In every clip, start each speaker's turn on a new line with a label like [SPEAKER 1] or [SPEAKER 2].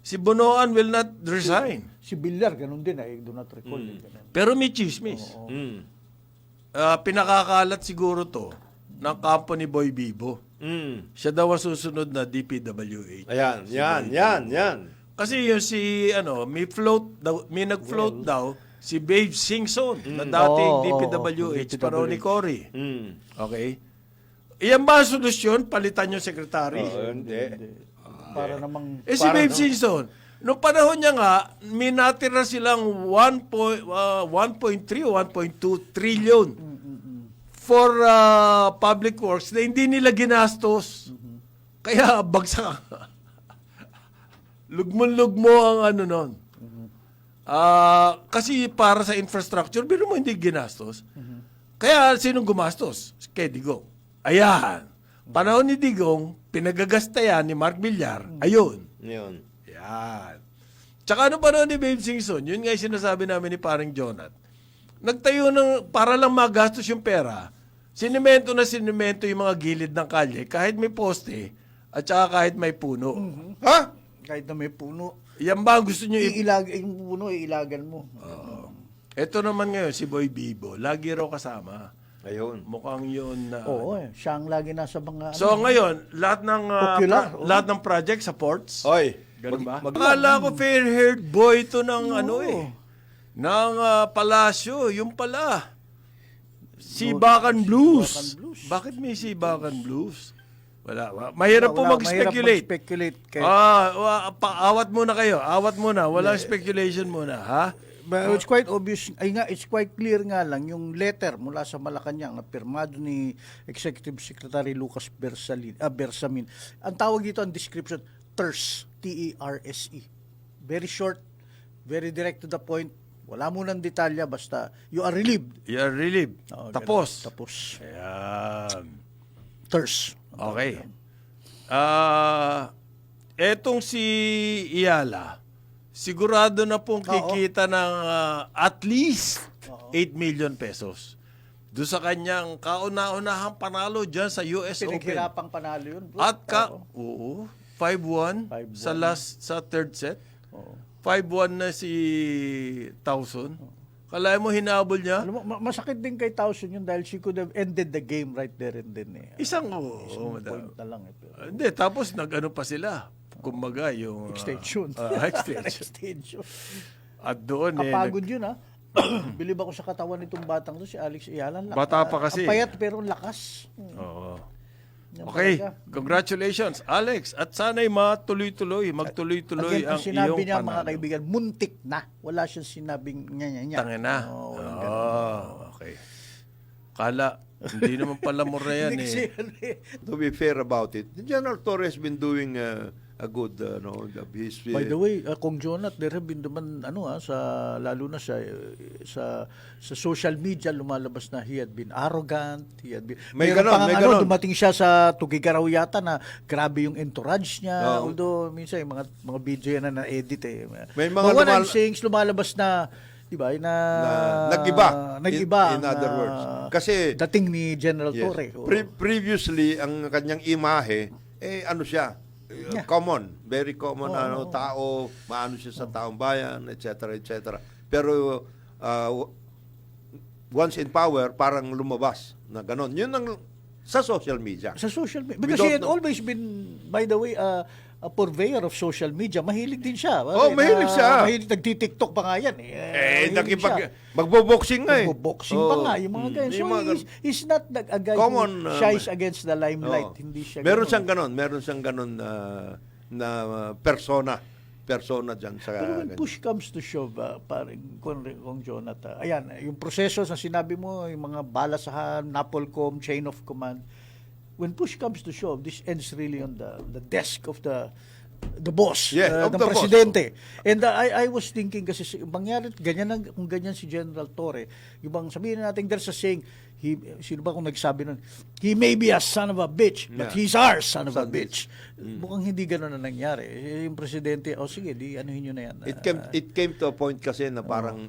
[SPEAKER 1] Si Bonoan will not resign.
[SPEAKER 2] Si Villar, ganun din. I do not recall. Ganun.
[SPEAKER 1] Pero may chismis.
[SPEAKER 3] Mm.
[SPEAKER 1] Pinakakalat siguro to ng kampo ni Boy Bibo.
[SPEAKER 3] Mm.
[SPEAKER 1] Siya daw ang susunod na DPWH.
[SPEAKER 3] Ayan, yan.
[SPEAKER 1] Kasi yung may nag-float daw si Babe Singson na dating DPWH para ni Cory.
[SPEAKER 3] Mm.
[SPEAKER 1] Okay? Iyan ba ang solusyon? Palitan yung sekretary?
[SPEAKER 3] Hindi.
[SPEAKER 2] Para namang...
[SPEAKER 1] Si Babe Singson, noong panahon niya nga, may natira silang 1.3 o 1.2 trillion for public works na hindi nila ginastos. Kaya bagsak. Lugmo ang ano nun. Kasi para sa infrastructure, biro mo hindi ginastos. Kaya sinong gumastos? Kay Digong. Ayan. Panahon ni Digong, pinagagastayan ni Mark Villar. Ayun.
[SPEAKER 3] Yun.
[SPEAKER 1] Yan. Tsaka ano panahon ni Babe Singson, yun nga yung sinasabi namin ni parang Jonat. Nagtayo para lang magastos yung pera, sinimento yung mga gilid ng kalye, kahit may poste, at saka kahit may puno.
[SPEAKER 3] Ha?
[SPEAKER 2] Kahit na may puno.
[SPEAKER 1] Yan ba ang gusto nyo
[SPEAKER 2] Yung puno, iilagan mo.
[SPEAKER 1] Ito naman ngayon, si Boy Bibo, lagi raw kasama.
[SPEAKER 3] Ayun.
[SPEAKER 1] Mukhang yun na...
[SPEAKER 2] Oo, siya ang lagi nasa mga...
[SPEAKER 1] So ngayon, lahat ng
[SPEAKER 2] Popular,
[SPEAKER 1] lahat ng project sa ports.
[SPEAKER 3] Oy.
[SPEAKER 1] Ganun ba? Akala ko fair-haired boy to ng ng palasyo. Yung pala. Sibakan Blues. Bakit may Sibakan Blues? Wala. Mahirap po mag-speculate.
[SPEAKER 2] Mag-speculate.
[SPEAKER 1] Awat muna kayo. Awat muna. Walang speculation muna. Ha?
[SPEAKER 2] But it's quite obvious, it's quite clear nga lang yung letter mula sa Malacanang na pirmado ni Executive Secretary Lucas Bersamin. Ang tawag dito, ang description, TERS, T-E-R-S-E. Very short, very direct to the point. Wala mo ng detalya, basta you are relieved.
[SPEAKER 1] You are relieved. Tapos.
[SPEAKER 2] Tapos.
[SPEAKER 1] Ayan.
[SPEAKER 2] TERS.
[SPEAKER 1] Okay. Etong si Iyala, sigurado na pong kikita ng at least 8 million pesos. Doon sa kanyang kauna-unahang panalo dyan sa US Open.
[SPEAKER 2] Pinaghirapang panalo yun. Bro.
[SPEAKER 1] At 5-1 sa third set. 5-1 na si Towson. Kalaya mo hinabol niya?
[SPEAKER 2] Alam mo, masakit din kay Towson yun dahil she could have ended the game right there and then.
[SPEAKER 1] Isang
[SPEAKER 2] point na lang.
[SPEAKER 1] Hindi, tapos nag-ano pa sila. Kumbaga, yung...
[SPEAKER 2] Extension.
[SPEAKER 1] Extension. At doon
[SPEAKER 2] kapagod yun, ha? Bilib ako sa katawan nitong batang to, si Alex Iyala.
[SPEAKER 1] Bata pa kasi.
[SPEAKER 2] Ang payat pero lakas.
[SPEAKER 1] Oo. Okay, congratulations, Alex. At sana'y magtuloy-tuloy
[SPEAKER 2] Again,
[SPEAKER 1] ang
[SPEAKER 2] sinabi
[SPEAKER 1] iyong
[SPEAKER 2] niya,
[SPEAKER 1] panalo.
[SPEAKER 2] mga kaibigan, muntik na. Wala siyang sinabing nya.
[SPEAKER 1] Tangina. Okay. Kala, hindi naman pala mo na yan
[SPEAKER 3] To be fair about it, General Torres has been doing a good job.
[SPEAKER 2] By the way, Kong Jonat, there have been naman lalo na sa social media lumalabas na he had been arrogant,
[SPEAKER 3] May ganon.
[SPEAKER 2] Dumating siya sa Tugigaraw yata na grabe yung entourage niya, although minsan yung mga video yan na na-edit
[SPEAKER 3] May mga
[SPEAKER 2] lumalabas na diba,
[SPEAKER 3] nag-iba. In
[SPEAKER 2] na,
[SPEAKER 3] other words. Kasi
[SPEAKER 2] dating ni General Torre.
[SPEAKER 3] Previously, ang kanyang imahe, ano siya, common, very common tao, maano siya sa taong bayan, etc. Pero once in power, parang lumabas na ganon. Yun ang sa social media.
[SPEAKER 2] Sa social media. Because he had always been, by the way, a purveyor of social media. Mahilig din siya.
[SPEAKER 3] Mahilig siya.
[SPEAKER 2] Nagtitiktok pa nga yan.
[SPEAKER 3] Magbo-boxing nga
[SPEAKER 2] Magbo-boxing pa nga. Yung mga ganyan. So, he's not a guy who shies against the limelight. Hindi siya
[SPEAKER 3] meron siyang ganon na persona dyan sa
[SPEAKER 2] pero when push comes to shove, parang kung Jonathan, ayan, yung proseso na sinabi mo, yung mga balasahan, NAPOLCOM, chain of command, when push comes to shove, this ends really on the desk of the boss, ng presidente. Boss. And I was thinking kasi mangyari kung ganyan si General Torre, yung bang sabihin natin there's a saying, sino ba kung nagsabi nun, he may be a son of a bitch, but he's our son of a bitch. Mukhang hindi gano'n na nangyari. Yung presidente, sige, anuhin nyo na yan.
[SPEAKER 3] It came to a point kasi na parang,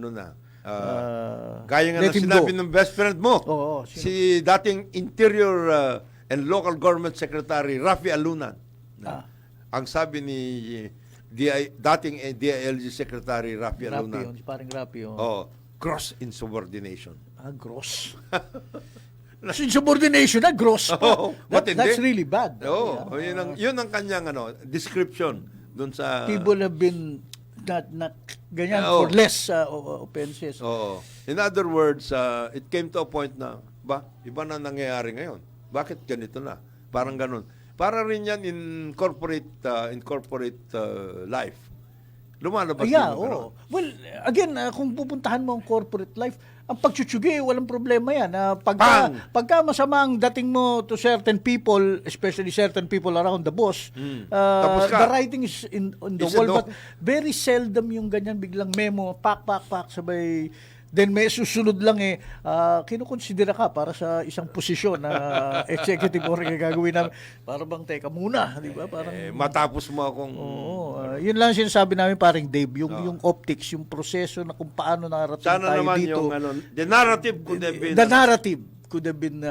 [SPEAKER 3] gaya nga na sinabi ng best friend mo, si dating Interior and Local Government Secretary, Rafi Alunan. Ang sabi dating DILG Secretary Rafi
[SPEAKER 2] Rapi
[SPEAKER 3] Luna.
[SPEAKER 2] yun, parang Rapi yun.
[SPEAKER 3] Oh, gross insubordination.
[SPEAKER 2] Gross. So, insubordination na, gross pa.
[SPEAKER 3] Oo, matindi.
[SPEAKER 2] That's really bad.
[SPEAKER 3] Oo,
[SPEAKER 2] Yeah.
[SPEAKER 3] yun ang kanyang description doon sa
[SPEAKER 2] People have been not ganyan
[SPEAKER 3] Oo.
[SPEAKER 2] for less offenses.
[SPEAKER 3] Oo. In other words, it came to a point na iba na nangyayari ngayon. Bakit ganito na? Parang ganun. Para rin yan in corporate life. Lumalabas
[SPEAKER 2] Yeah,
[SPEAKER 3] din yung
[SPEAKER 2] oo. Well, again, kung pupuntahan mo ang corporate life, ang pagtsutsugay, walang problema yan.
[SPEAKER 3] Bang!
[SPEAKER 2] Pagka masama ang dating mo to certain people, especially certain people around the boss,
[SPEAKER 3] Tapos ka.
[SPEAKER 2] the writing is on the
[SPEAKER 3] Is
[SPEAKER 2] wall.
[SPEAKER 3] it
[SPEAKER 2] But very seldom yung ganyan biglang memo, pak, sabay. Then may susunod lang kinukonsidera ka para sa isang posisyon na executive or gagawin namin. Para bang, teka muna, di ba? Parang,
[SPEAKER 3] matapos mo akong...
[SPEAKER 2] yun lang sinasabi namin paring Dave, yung optics, yung proseso na kung paano narating
[SPEAKER 3] Sana
[SPEAKER 2] tayo
[SPEAKER 3] naman
[SPEAKER 2] dito.
[SPEAKER 3] yung the narrative could have been...
[SPEAKER 2] The narrative could have been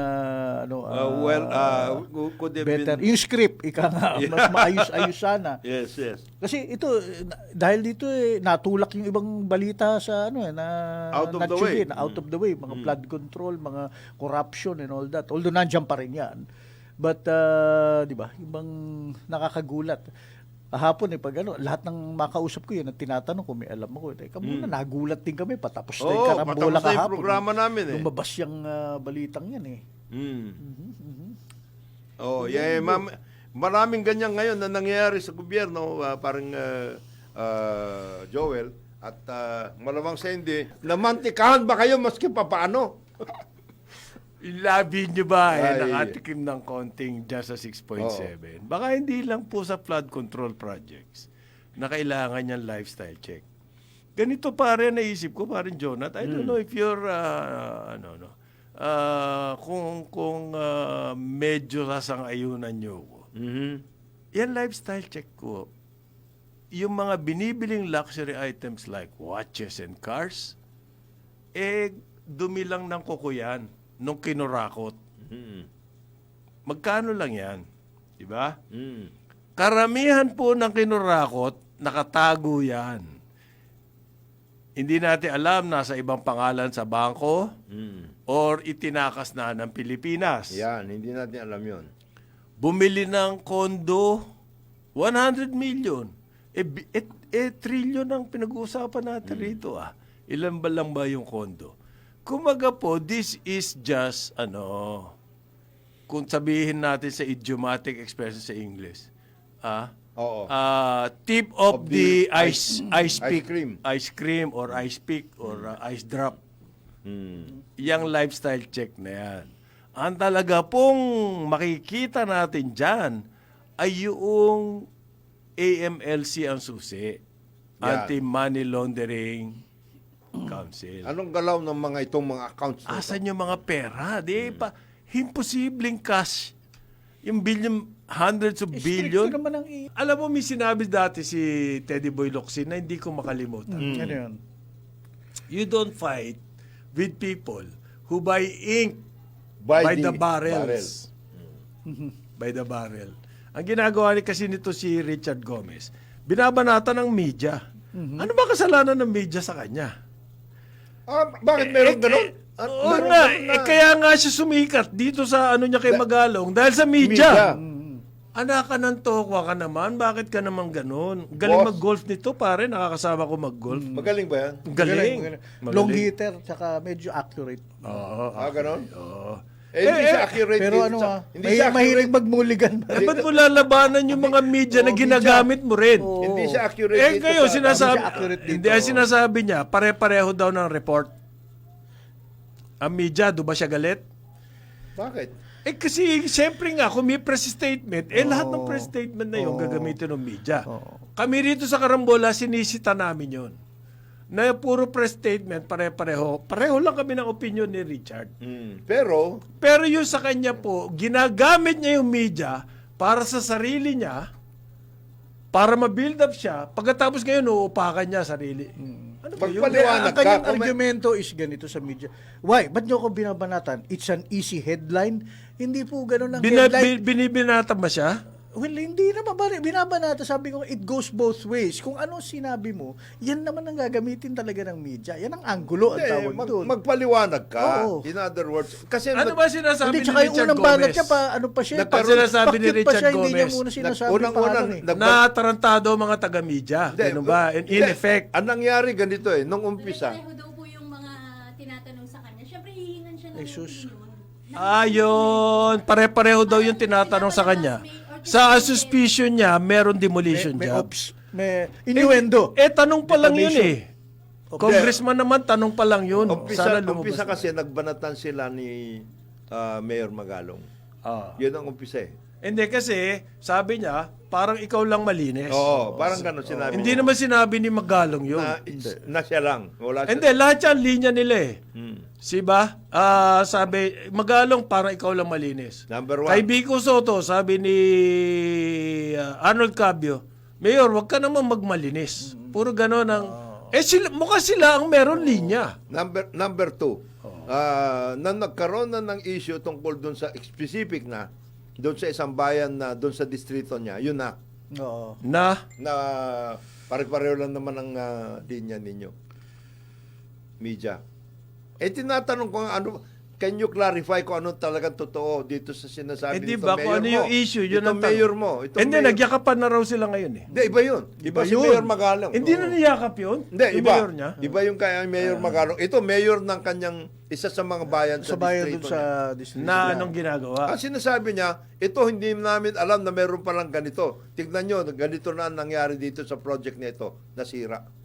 [SPEAKER 3] could have
[SPEAKER 2] better.
[SPEAKER 3] been...
[SPEAKER 2] Yung script, mas maayos-ayos sana.
[SPEAKER 3] Yes.
[SPEAKER 2] Kasi ito, dahil dito natulak yung ibang balita sa
[SPEAKER 3] Out of the
[SPEAKER 2] natsugi,
[SPEAKER 3] way.
[SPEAKER 2] na out of the way, mga flood control, mga corruption and all that. Although nandiyan pa rin yan. But, di ba, ibang nakakagulat. Hapon pag lahat ng makausap ko yun, at tinatanong ko, may alam ako. Teka muna, nagulat din kami, patapos na yung karambola
[SPEAKER 3] patapos na yung
[SPEAKER 2] kahapon.
[SPEAKER 3] programa namin
[SPEAKER 2] Lumabas yung balitang yan
[SPEAKER 3] maraming ganyan ngayon na nangyayari sa gobyerno, parang Joel, at malamang sa hindi, namantikahan ba kayo maski pa paano?
[SPEAKER 1] Ilabi nyo ba
[SPEAKER 3] Ay.
[SPEAKER 1] nakatikim ng konting dyan sa 6.7? Baka hindi lang po sa flood control projects na kailangan niyang lifestyle check. Ganito pare naisip ko, parang Jonathan. I don't know if you're, kung medyo sasang-ayunan nyo ko. Yan lifestyle check ko. Yung mga binibiling luxury items like watches and cars, dumi lang ng kuko yan nung kinurakot. Magkano lang yan? Diba? Karamihan po ng kinurakot, nakatago yan. Hindi natin alam, nasa ibang pangalan sa bangko or itinakas na ng Pilipinas.
[SPEAKER 3] Yan, hindi natin alam yon.
[SPEAKER 1] Bumili ng kondo, 100 million. Trillion ang pinag-uusapan natin rito. Ilan ba lang ba yung kondo? Kumaga po, this is just, kung sabihin natin sa idiomatic expression sa English, tip of the ice pick,
[SPEAKER 3] cream.
[SPEAKER 1] ice cream or ice pick or ice drop. Yang lifestyle check na yan. Ang talaga pong makikita natin dyan ay yung AMLC ang susi.
[SPEAKER 3] Yan.
[SPEAKER 1] Anti-Money Laundering Council.
[SPEAKER 3] Anong galaw ng itong mga accounts?
[SPEAKER 1] Asan yung mga pera? Di pa, imposibleng cash. Yung billion, hundreds of billion.
[SPEAKER 2] Stricto naman ang
[SPEAKER 1] Alam mo, may sinabi dati si Teddy Boy Locsin na hindi ko makalimutan.
[SPEAKER 2] Ano yun?
[SPEAKER 1] You don't fight with people who buy ink by the barrels. By the barrel. Ang ginagawa ni kasi nito si Richard Gomez, binabanata ng media. Ano ba kasalanan ng media sa kanya?
[SPEAKER 3] Bakit meron ganun?
[SPEAKER 1] Oo nga, kaya nga siya sumikat dito sa niya kay Magalong dahil sa media. Anak ka ng tokwa ka naman, bakit ka naman ganun? Galing
[SPEAKER 3] Boss.
[SPEAKER 1] mag-golf nito pare, nakakasama ko mag-golf.
[SPEAKER 3] Magaling ba yan?
[SPEAKER 1] Galing.
[SPEAKER 2] Long hitter, tsaka medyo accurate.
[SPEAKER 1] Oo.
[SPEAKER 3] Ganon?
[SPEAKER 1] Oo.
[SPEAKER 3] Hindi siya accurate.
[SPEAKER 2] Pero
[SPEAKER 3] hindi siya
[SPEAKER 2] mahilig magmuligan.
[SPEAKER 1] Ba't mo lalabanan yung mga media na ginagamit mo rin?
[SPEAKER 3] Hindi siya accurate. dito
[SPEAKER 1] Kayo,
[SPEAKER 3] sa-
[SPEAKER 1] sinasabi,
[SPEAKER 2] Hindi siya accurate dito.
[SPEAKER 1] hindi, ang sinasabi niya, pare-pareho daw ng report. Ang media, do ba siya galit?
[SPEAKER 3] Bakit?
[SPEAKER 1] Kasi, siyempre nga, kung may press statement, lahat ng press statement na yun gagamitin ng media. Kami rito sa Karambola, sinisita namin yun. Na puro press statement, pare-pareho. Pareho lang kami ng opinion ni Richard.
[SPEAKER 3] Pero,
[SPEAKER 1] Pero yun sa kanya po, ginagamit niya yung media para sa sarili niya, para ma-build up siya, pagkatapos ngayon, uupakan niya sarili. Ano ba yun?
[SPEAKER 3] Magpaliwanag
[SPEAKER 2] Ang kanyang
[SPEAKER 3] ka,
[SPEAKER 2] argumento is ganito sa media. Why? Ba't nyo ko binabanatan? It's an easy headline. Hindi po ganun ang headline.
[SPEAKER 1] Binibinata ba siya?
[SPEAKER 2] Well, hindi naman binabanata. Sabi ko, it goes both ways. Kung ano sinabi mo, yan naman ang gagamitin talaga ng media. Yan ang anggulo ang tawag doon.
[SPEAKER 3] Magpaliwanag ka.
[SPEAKER 2] Oo.
[SPEAKER 3] In other words, kasi
[SPEAKER 1] Ano ba sinasabi
[SPEAKER 2] Hindi,
[SPEAKER 1] ni
[SPEAKER 2] tsaka yung
[SPEAKER 1] Richard
[SPEAKER 2] unang banat
[SPEAKER 1] Gomez?
[SPEAKER 2] niya pa, ano pa siya?
[SPEAKER 1] Ang sinasabi ni
[SPEAKER 2] pa
[SPEAKER 1] Richard
[SPEAKER 2] siya, Hindi niya
[SPEAKER 1] Gomez,
[SPEAKER 2] muna sinasabi
[SPEAKER 3] unang-unang,
[SPEAKER 2] pangalan eh.
[SPEAKER 3] nag-
[SPEAKER 1] Natarantado mga taga-media. Ganun ba? In
[SPEAKER 3] Hindi.
[SPEAKER 1] effect.
[SPEAKER 3] Ang nangyari ganito nung umpisa.
[SPEAKER 4] Pareho daw po yung mga tinatanong sa kanya. Siyempre, hihingan siya ng
[SPEAKER 2] Jesus.
[SPEAKER 4] opinion.
[SPEAKER 1] Ayun. Pare-pareho daw yung tinatanong sa kanya. Sa suspicion niya, meron demolition
[SPEAKER 2] May
[SPEAKER 1] job.
[SPEAKER 2] ops, may innuendo.
[SPEAKER 1] Tanong pa lang yun
[SPEAKER 2] Defamation.
[SPEAKER 1] Congressman naman, tanong pa lang yun. Sana
[SPEAKER 3] Umpisa
[SPEAKER 1] lumabas.
[SPEAKER 3] kasi nagbanatan sila ni Mayor Magalong.
[SPEAKER 1] Ah.
[SPEAKER 3] Yun ang umpisa
[SPEAKER 1] Hindi kasi, sabi niya, parang ikaw lang malinis.
[SPEAKER 3] Oo, parang gano'n sinabi
[SPEAKER 1] Hindi
[SPEAKER 3] niya.
[SPEAKER 1] naman sinabi ni Magalong yun.
[SPEAKER 3] Na siya lang. Wala siya.
[SPEAKER 1] Hindi, lahat yan, linya nila eh.
[SPEAKER 3] Hmm.
[SPEAKER 1] Si ba? Sabi, Magalong, parang ikaw lang malinis.
[SPEAKER 3] Number one.
[SPEAKER 1] Kay Vico Soto, sabi ni Arnold Cabio, Mayor, wag ka naman magmalinis. Puro gano'n ang... mukha sila ang meron linya.
[SPEAKER 3] Number two, na nagkaroon na ng issue tungkol doon sa specific na, doon sa isang bayan na doon sa distrito niya, yun na
[SPEAKER 2] Oo.
[SPEAKER 1] Na,
[SPEAKER 3] pare-pareho lang naman ang linya ninyo. Media. Tinatanong ko nga, can you clarify kung ano talagang totoo dito sa sinasabi
[SPEAKER 1] di
[SPEAKER 3] nito
[SPEAKER 1] ba kung
[SPEAKER 3] mayor
[SPEAKER 1] ano
[SPEAKER 3] mo?
[SPEAKER 1] yung issue, yun
[SPEAKER 3] Itong
[SPEAKER 1] ang tanong.
[SPEAKER 3] mayor mo. Itong
[SPEAKER 1] Hindi,
[SPEAKER 3] mayor-
[SPEAKER 1] nagyakapan na raw sila ngayon eh.
[SPEAKER 3] Hindi, iba yun. Iba si
[SPEAKER 1] yun.
[SPEAKER 3] Mayor Magalong.
[SPEAKER 1] Hindi
[SPEAKER 3] Oo.
[SPEAKER 1] na niyakap yun?
[SPEAKER 3] Hindi,
[SPEAKER 1] Yung
[SPEAKER 3] iba.
[SPEAKER 1] mayor niya?
[SPEAKER 3] Iba yung kaya Mayor Magalong. Ito, mayor ng kanyang isa sa mga bayan
[SPEAKER 2] Sa bayan doon
[SPEAKER 3] distrito
[SPEAKER 2] sa
[SPEAKER 3] niya.
[SPEAKER 2] district.
[SPEAKER 1] Na anong ginagawa?
[SPEAKER 3] Ang sinasabi niya, ito hindi namin alam na meron palang ganito. Tignan nyo, ganito na ang nangyari dito sa project na ito, nasira.